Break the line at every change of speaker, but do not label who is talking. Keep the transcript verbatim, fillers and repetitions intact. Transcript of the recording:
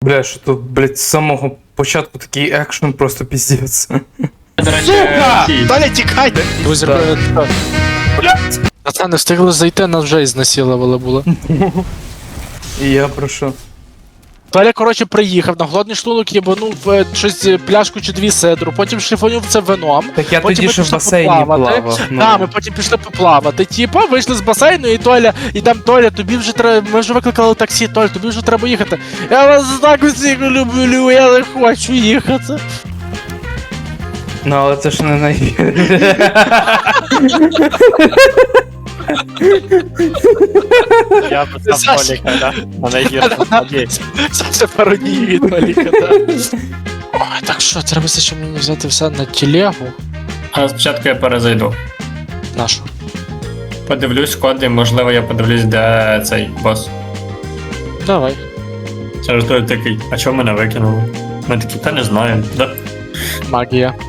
Бля, що тут, блядь, з самого початку такий екшен просто піздець.
До речі,
Сука!
ті.
Толя, тікайте!
Друзі,
Так.
блядь. Пацани, встигли зайти, нас вже ізнасилували було.
І я прошу.
Толя, коротше, приїхав, на голодний шлунок їбанув е, щось е, пляшку чи дві седру, потім шліфанув це вином.
Так я
Потім
тоді
ми
ще в
пішли
басейні
поплавати.
плавав. ну.
Так, ми потім пішли поплавати. Типа, вийшли з басейну, і Толя, і там Толя, тобі вже треба. Ми вже викликали таксі, Толя, тобі вже треба їхати. Я вас так усіх люблю, я не хочу їхати.
Ну, але це ж не най...
Я писав Толіка, да? На найгіршу надіюсь.
Це пародії від Толіка, так. Ой, так що, треба все, що мені взяти все на телегу.
А спочатку я перезайду.
Нашу.
Подивлюсь коди, можливо, я подивлюсь, де цей бос.
Давай.
Через той такий, а чого мене викинули? Ми такі, та не знаю, да?
Магія.